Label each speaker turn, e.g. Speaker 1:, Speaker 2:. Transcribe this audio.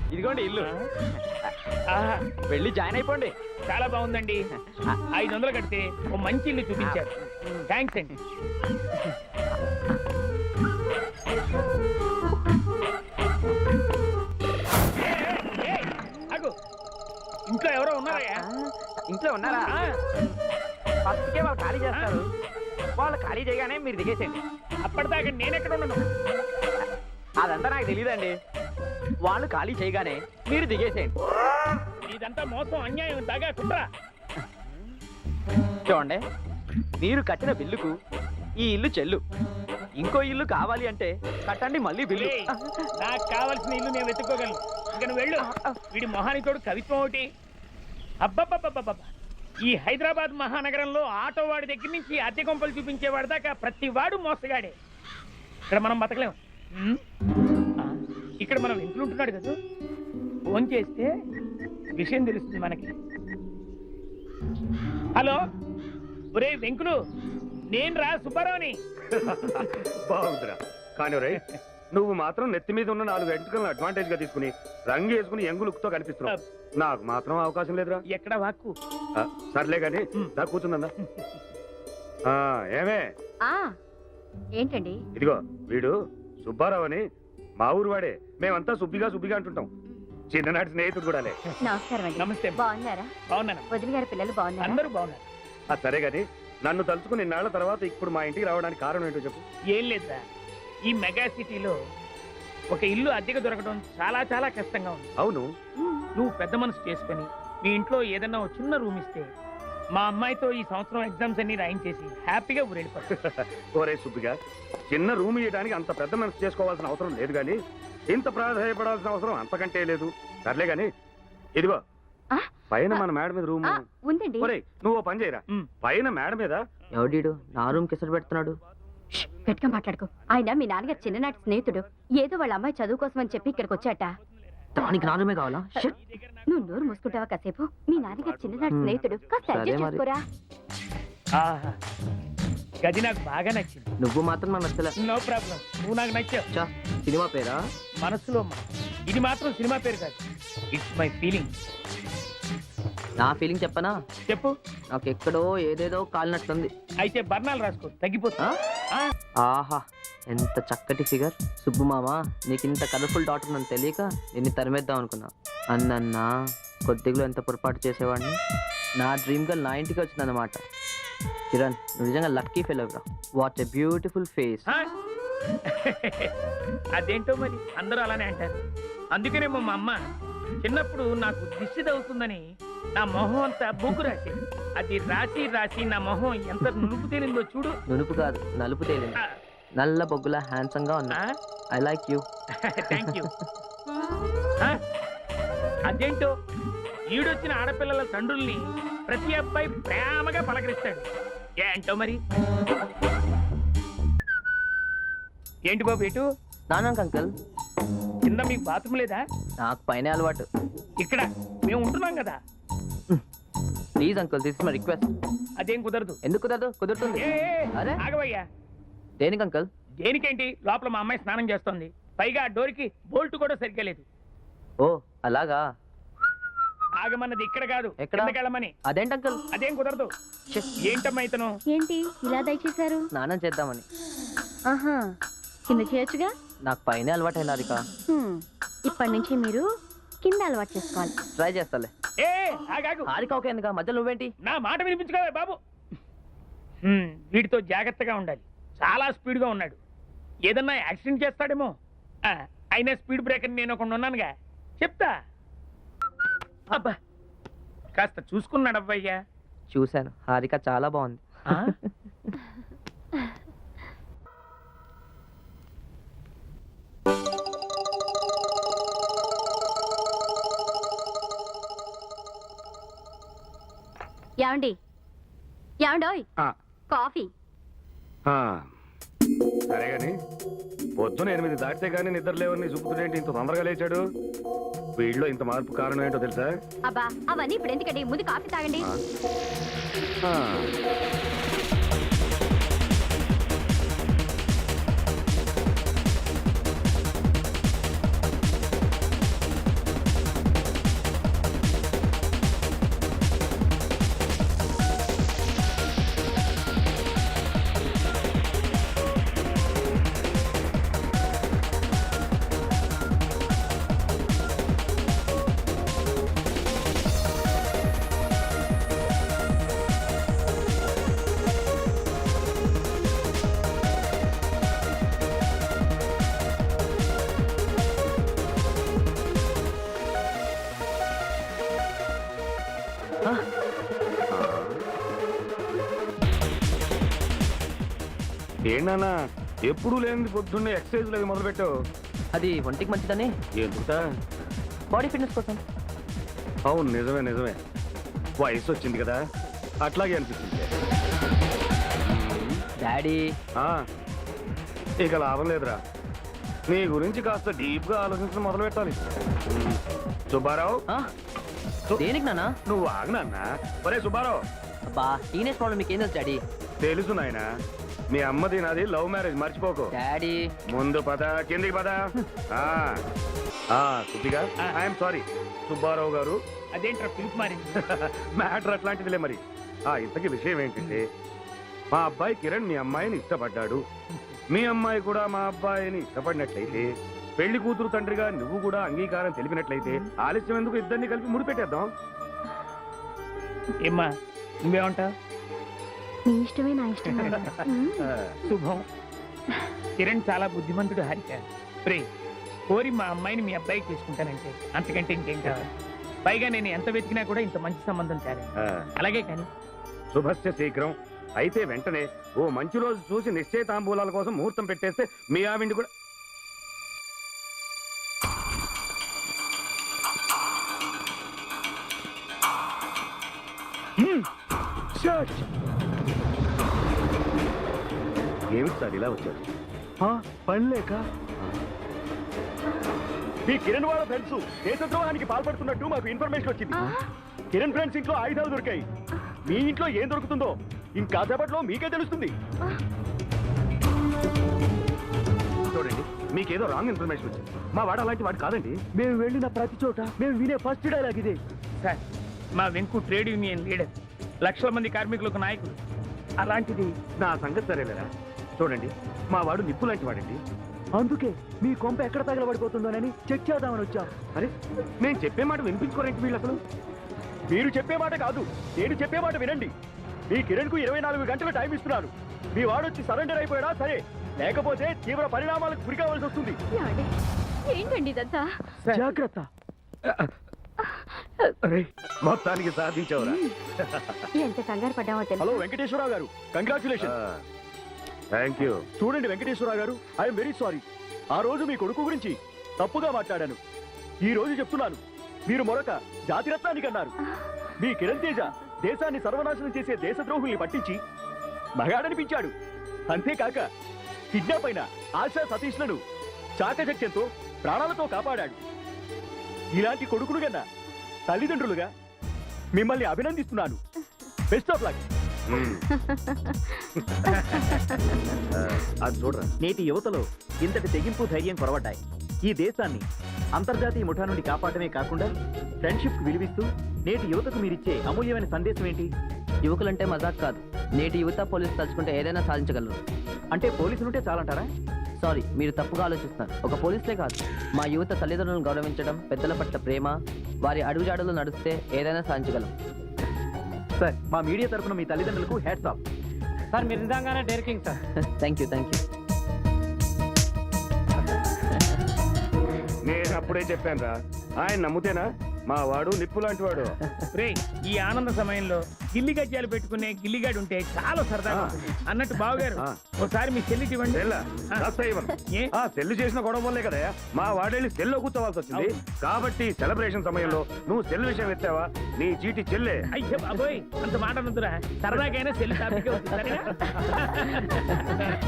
Speaker 1: ఇదిగోండి ఇల్లు.
Speaker 2: ఆహా,
Speaker 1: వెళ్ళి జాయిన్ అయిపోండి.
Speaker 2: చాలా బాగుందండి. 500 కడితే ఓ మంచి ఇల్లు చూపించారు. థ్యాంక్స్ అండి. ఆగు. ఇంట్లో ఎవరో ఉన్నారయ్యా?
Speaker 1: ఇంట్లో ఉన్నారా? ఫస్ట్కే వాళ్ళు ఖాళీ చేస్తారు. వాళ్ళు ఖాళీ చేయగానే మీరు దిగేసేయండి.
Speaker 2: అప్పటిదాకా నేనెక్కడ ఉన్నాను?
Speaker 1: అదంతా నాకు తెలియదండి. వాళ్ళు ఖాళీ చేయగానే మీరు దిగేసేయండి.
Speaker 2: ఇదంతా మోసం, అన్యాయం, దగా, కుట్ర.
Speaker 1: చూడండి, మీరు కట్టిన బిల్లుకు ఈ ఇల్లు చెల్లు. ఇంకో ఇల్లు కావాలి అంటే కట్టండి మళ్ళీ బిల్లు.
Speaker 2: ఏయ్, నాకు కావాల్సిన ఇల్లు నేను వెతుక్కోగలను. ఇక నువ్వు వెళ్ళు. వీడి మొహానితోడు కవిత్వం ఒకటి. అబ్బబ్బబ్బబ్బబ్బ! ఈ హైదరాబాద్ మహానగరంలో ఆటో వాడి దగ్గర నుంచి అద్దె కొంపలు చూపించేవాడి దాకా ప్రతి వాడు మోసగాడే. ఇక్కడ మనం బతకలేం. ఆ, ఇక్కడ మనం ఇంట్లో ఉంటున్నాడు కదా, ఫోన్ చేస్తే విషయం తెలుస్తుంది మనకి. హలో, ఒరే వెంకులు, నేను రా సుబ్బారావుని.
Speaker 3: బాగుందిరా. కానీ రే, నువ్వు మాత్రం నెత్తి మీద ఉన్న 4 వెంట్రుకలను అడ్వాంటేజ్ గా తీసుకుని రంగు వేసుకుని యంగులుక్తో కనిపిస్తున్నావు. నాకు మాత్రం అవకాశం లేదురా.
Speaker 2: ఎక్కడ వాక్కు?
Speaker 3: సర్లే గాని దా కూర్చుందా. ఏమే
Speaker 4: ఏంటండి?
Speaker 3: ఇదిగో వీడు సుబ్బారావు అని మా ఊరు వాడే. మేమంతా సుబ్బిగా అంటుంటాం. చిన్ననాటి స్నేహితుడు కూడా.
Speaker 4: నమస్కారం అండి.
Speaker 2: నమస్తే.
Speaker 4: బాగున్నారా?
Speaker 2: బాగున్నాను.
Speaker 4: వదిలి గారి పిల్లలు బాగున్నారా?
Speaker 2: అందరూ బాగున్నారు.
Speaker 3: సరే గాని నన్ను తలుచుకుని ఇన్నాళ్ల తర్వాత ఇప్పుడు మా ఇంటికి రావడానికి కారణం ఏంటో చెప్పు.
Speaker 2: ఏం లేదా, ఈ మెగా సిటీలో ఒక ఇల్లు అద్దెకు దొరకడం చాలా చాలా కష్టంగా ఉంది.
Speaker 3: అవును,
Speaker 2: నువ్వు పెద్ద మనసు చేసుకుని మీ ఇంట్లో ఏదన్నా ఒక చిన్న రూమ్ ఇస్తే మా అమ్మాయితో ఈ సంవత్సరం ఎగ్జామ్స్ అన్ని రాయించేసి హ్యాపీగా ఊరెళ్ళిపోతా.
Speaker 3: ఓరే సుబ్బిగా, చిన్న రూమ్ ఇవ్వడానికి అంత పెద్ద మనసు చేసుకోవాల్సిన అవసరం లేదు గాని ఇంత ప్రాధాన్యపడాల్సిన అవసరం అంతకంటే లేదు. సర్లే గాని ఇదిగో పైన మన మేడ మీద రూమ్
Speaker 4: ఉందండి.
Speaker 3: ఒరే నువ్వు పని చేయరా, పైన మేడ మీద
Speaker 1: ఎవడీడు నా రూమ్ కిసరు పెడుతున్నాడు?
Speaker 4: గట్టిగా మాట్లాడుకో. ఆయన మీ నాన్నగారు చిన్ననాటి స్నేహితుడు. ఏదో వాళ్ళ అమ్మాయి చదువు కోసం అని చెప్పి ఇక్కడికి వచ్చాట.
Speaker 1: దానికి నా రూమే కావాలా?
Speaker 4: నువ్వు నోరు మూసుకుంటావా కాసేపు? మీ నాన్నగారు చిన్ననాటి స్నేహితుడు. కాస్త అడ్జస్ట్ చేసుకోరా.
Speaker 2: ఆహా, గది నాకు బాగా నచ్చింది.
Speaker 1: నువ్వు మాత్రం నాకు నచ్చలే.
Speaker 2: నో ప్రాబ్లం, నువ్వు నాకు నచ్చావు.
Speaker 1: సినిమా పేరా?
Speaker 2: మనసులో ఇది మాత్రం సినిమా పేరు కాదు, ఇట్స్ మై ఫీలింగ్.
Speaker 1: నా ఫీలింగ్ చెప్పనా?
Speaker 2: చెప్పు.
Speaker 1: నాకు ఎక్కడో ఏదేదో కాలినట్టుంది.
Speaker 2: అయితే బర్ణాలు రాసుకో, తగ్గిపోతా.
Speaker 1: ఆహా, ఎంత చక్కటి ఫిగర్. సుబ్బు మామ, నీకు ఇంత కలర్ఫుల్ డాటర్ నన్ను తెలియక నిన్ను తరిమేద్దాం అనుకున్నా. అన్నన్నా కొద్దిగా ఎంత పొరపాటు చేసేవాడిని. నా డ్రీమ్ గర్ల్ నా ఇంటికి వచ్చిందన్నమాట. కిరణ్, నువ్వు నిజంగా లక్కీ ఫెలోరా. What a beautiful face.
Speaker 2: అదేంటో మరి అందరూ అలానే అంటారు. అందుకనేమో మా అమ్మ చిన్నప్పుడు నాకు దిష్టి తగ్గుతుందని నా మొహం అంతా బొగ్గు రాసేది. అది రాసి రాసి నా మొహం ఎంత నునుపు తేలిందో చూడు.
Speaker 1: నునుపు కాదు, నలుపు తేలింది. నల్ల బొగ్గులా హ్యాండ్సమ్ గా ఉన్నా. I like you.
Speaker 2: Thank you. అదేంటో ఈడొచ్చిన ఆడపిల్లల తండ్రుల్ని ప్రతి అబ్బాయి ప్రేమగా పలకరిస్తాడు. ఏంటో మరి. ఏంటి బాబు ఎటు?
Speaker 1: నానాక అంకల్,
Speaker 2: కింద మీకు బాత్రూమ్ లేదా?
Speaker 1: నాకు పైన అలవాటు.
Speaker 2: ఇక్కడ మేము ఉంటున్నాం కదా.
Speaker 1: Please uncle, this is my request.
Speaker 2: అదేం కుదరదు.
Speaker 1: ఎందుకు కుదరదు? కుదురుతుంది. అరే
Speaker 2: ఆగవయ్యా.
Speaker 1: దేనికి అంకుల్?
Speaker 2: దేనికేంటి, లోపల మా అమ్మాయి స్నానం చేస్తోంది. పైగా ఆ డోర్కి బోల్ట్ కూడా సరిగ్గా లేదు.
Speaker 1: ఓ అలాగా?
Speaker 2: ఆగమన్నది ఇక్కడ కాదు,
Speaker 1: ఎక్కడ?
Speaker 2: వెళ్ళమని.
Speaker 1: అదేంటి అంకుల్?
Speaker 2: అదేం కుదరదు. ఏంటమ్మా ఇతను?
Speaker 4: ఏంటి ఇలా దయచేశారు?
Speaker 1: స్నానం చేద్దామని.
Speaker 4: ఆహా, కింద చేయొచ్చుగా.
Speaker 1: నాకు పైన అలవాటు అయినా హారిక.
Speaker 4: ఇప్పటి నుంచి మీరు కింద అలవాటు చేసుకోవాలి.
Speaker 1: ట్రై చేస్తాలే.
Speaker 2: ఏ ఆగాగు.
Speaker 1: హారిక ఓకే ఎందుక? మధ్యలో నువ్వేంటి?
Speaker 2: నా మాట వినిపించుకోవే బాబు. వీడితో జాగ్రత్తగా ఉండాలి. చాలా స్పీడ్గా ఉన్నాడు. ఏదన్నా యాక్సిడెంట్ చేస్తాడేమో. అయినా స్పీడ్ బ్రేకర్ నేను ఒకటి ఉన్నానుగా, చెప్తా. అబ్బా, కాస్త చూసుకున్నాడు అబ్బాయ్యా.
Speaker 1: చూశాను, హారిక చాలా బాగుంది.
Speaker 4: ఏమండి, ఏమండోయ్, కాఫీ.
Speaker 3: సరే గాని పొద్దున 8 దాటితే గానీ నిద్ర లేవని సుబ్బుతుడేంటి ఇంత తొందరగా లేచాడు? వీడిలో ఇంత మార్పు కారణం ఏంటో తెలుసా?
Speaker 4: అబ్బా అవన్నీ ఇప్పుడు ఎందుకండి, ముందు కాఫీ తాగండి.
Speaker 3: ఏంటన్నా ఎప్పుడు లేనిది పొద్దున్నే ఎక్సర్సైజ్ అవి మొదలు పెట్టావు?
Speaker 1: అది ఒంటికి మంచిదని,
Speaker 3: ఎందుకుతా?
Speaker 1: బాడీ ఫిట్నెస్ కోసం.
Speaker 3: అవును, నిజమే నిజమే. వయసు వచ్చింది కదా, అట్లాగే అనిపిస్తుంది.
Speaker 1: డాడీ,
Speaker 3: ఆ, ఇక లాభం లేదురా. నీ గురించి కాస్త డీప్ గా ఆలోచించడం మొదలు పెట్టాలి. సుబ్బారావు,
Speaker 1: దేనికి నాన్న?
Speaker 3: నువ్వు ఆగనన్నా. ఒరే సుబ్బారావు.
Speaker 1: అబ్బా, టీనేజ్ ప్రాబ్లం మీకు ఏం తెలుసు డాడీ?
Speaker 3: తెలుసు నాయనా, మీ అమ్మది నాది లవ్ మ్యారేజ్, మర్చిపోకు.
Speaker 1: డాడీ,
Speaker 3: ముందు పద, కిందికి పద. కొద్దిగా ఐఎమ్ సారీ సుబ్బారావు గారు.
Speaker 2: అదేంట్రా పిలుపు మారింది?
Speaker 3: మ్యాటర్ అట్లాంటిదిలే మరి. ఇంతకీ విషయం ఏంటంటే, మా అబ్బాయి కిరణ్ మీ అమ్మాయిని ఇష్టపడ్డాడు. మీ అమ్మాయి కూడా మా అబ్బాయిని ఇష్టపడినట్లయితే, పెళ్లి కూతురు తండ్రిగా నువ్వు కూడా అంగీకారం తెలిపినట్లయితే ఆలస్యం ఎందుకు, ఇద్దరిని కలిపి ముడిపెట్టేద్దాం.
Speaker 2: ఏమ్మా, నువ్వేమంటావు?
Speaker 4: మీ ఇష్టమే నా ఇష్టం.
Speaker 2: శుభం. కిరణ్ చాలా బుద్ధిమంతుడు హారిక. ప్రే కోరి మా అమ్మాయిని మీ అబ్బాయికి తీసుకుంటానంటే అంతకంటే ఇంకేం కావాలి? పైగా నేను ఎంత వెతికినా కూడా ఇంత మంచి సంబంధం తేలేదు. అలాగే కానీ
Speaker 3: శుభస్య శీఘ్రం. అయితే వెంటనే ఓ మంచి రోజు చూసి నిశ్చయితాంబూలాల కోసం ముహూర్తం పెట్టేస్తే మీ ఆవిండి కూడా. ఏమిటి సార్ ఇలా వచ్చారు? పని లేక. ఈ కిరణ్ వాళ్ళ ఫ్రెండ్స్ దేశద్రోహానికి పాల్పడుతున్నట్టు మాకు ఇన్ఫర్మేషన్ వచ్చింది. కిరణ్ ఫ్రెండ్స్ ఇంట్లో ఆయుధాలు దొరికాయి. మీ ఇంట్లో ఏం దొరుకుతుందో ఇంకాసేపట్లో మీకే తెలుస్తుంది. చూడండి, మీకేదో రాంగ్ ఇన్ఫర్మేషన్ వచ్చింది. మా వాడు అలాంటి వాడు కాదండి. మేము వెళ్ళిన ప్రతి చోట మేము వినే ఫస్ట్ డైలాగ్ ఇదే.
Speaker 2: సార్, మా వెంకు ట్రేడ్ యూనియన్ లీడర్, లక్షల మంది కార్మికులకు నాయకుడు. అలాంటిది
Speaker 3: నా సంగతి సరేలేరా. చూడండి, మా వాడు నిప్పు లాంటి వాడండి. అందుకే మీ కొంప ఎక్కడ తగలబడిపోతుందోనని చెక్ చేద్దామని వచ్చాం. అరే, నేను చెప్పే మాట వినిపించుకోరేంటి వీళ్ళు అసలు? మీరు చెప్పే మాట కాదు, నేను చెప్పే మాట వినండి. మీ కిరణ్ కు 24 గంటలు టైం ఇస్తున్నాను. మీ వాడు వచ్చి సరెండర్ అయిపోయాడా సరే, లేకపోతే తీవ్ర పరిణామాలకు గురి కావాల్సి వస్తుంది.
Speaker 4: ఏంటండి ఇదంతా?
Speaker 3: జాగ్రత్త. అరే, మొత్తానికి సాధించవరా.
Speaker 4: ఎంత కంగారు పడ్డామో తెలుసు.
Speaker 3: హలో వెంకటేశ్వరరావు గారు, కంగ్రాచులేషన్. Thank you. చూడండి వెంకటేశ్వరరావు గారు, ఐఎమ్ వెరీ సారీ. ఆ రోజు మీ కొడుకు గురించి తప్పుగా మాట్లాడాను. ఈ రోజు చెప్తున్నాను, మీరు మరొక జాతిరత్నానికి అన్నారు. మీ కిరణ్ తేజ దేశాన్ని సర్వనాశనం చేసే దేశద్రోహుల్ని పట్టించి మగాడనిపించాడు. అంతేకాక కిడ్నాప్ అయిన ఆశా సతీష్లను చాకచక్యంతో ప్రాణాలతో కాపాడాడు. ఇలాంటి కొడుకులు కన్నా తల్లిదండ్రులుగా మిమ్మల్ని అభినందిస్తున్నాను. Best of luck. అది చూడరా,
Speaker 5: నేటి యువతలో ఇంతటి తెగింపు ధైర్యం కొరవడ్డాయి. ఈ దేశాన్ని అంతర్జాతీయ ముఠా నుండి కాపాడమే కాకుండా ఫ్రెండ్షిప్ విలువిస్తూ నేటి యువతకు మీరిచ్చే అమూల్యమైన సందేశం ఏంటి?
Speaker 1: యువకులంటే మజాక్ కాదు. నేటి యువత పోలీసు తలుచుకుంటే ఏదైనా సాధించగలరు.
Speaker 5: అంటే పోలీసులుంటే చాలంటారా?
Speaker 1: సారీ, మీరు తప్పుగా ఆలోచిస్తున్నారు. ఒక పోలీసులే కాదు, మా యువత తల్లిదండ్రులను గౌరవించడం, పెద్దల పట్ల ప్రేమ, వారి అడుగుజాడలు నడిస్తే ఏదైనా సాధించగలం.
Speaker 5: సార్, మా మీడియా తరఫున మీ తల్లిదండ్రులకు హ్యాట్స్ ఆఫ్.
Speaker 2: సార్, మీరు నిజంగానే డైరెక్టింగ్ సార్.
Speaker 1: Thank you.
Speaker 3: నేను అప్పుడే చెప్పాను రా, ఆయన నమ్ముతేనా? మా వాడు నిప్పు లాంటి వాడు.
Speaker 2: రే, ఈ ఆనంద సమయంలో గిల్లి గజ్జాలు పెట్టుకునే గిల్లిగాడు ఉంటే చాలా సరదాగా ఉంటుంది. అన్నట్టు బావగారు, ఒకసారి మీ చెల్లికి ఇవ్వండి. ఏ?
Speaker 3: సెల్లు చేసిన గొడవ వల్లే కదా మా వాడేళ్ళి సెల్లో కూర్చోవాల్సి వచ్చింది. కాబట్టి సెలబ్రేషన్ సమయంలో నువ్వు సెల్ విషయం ఎత్తావా, నీ చీటి చెల్లే.
Speaker 2: అయ్యో బాబోయ్, అంత మాట నొద్దురా. సరదాకైనా చెల్లి టాపిక్ అవుతుంది. సరేనా?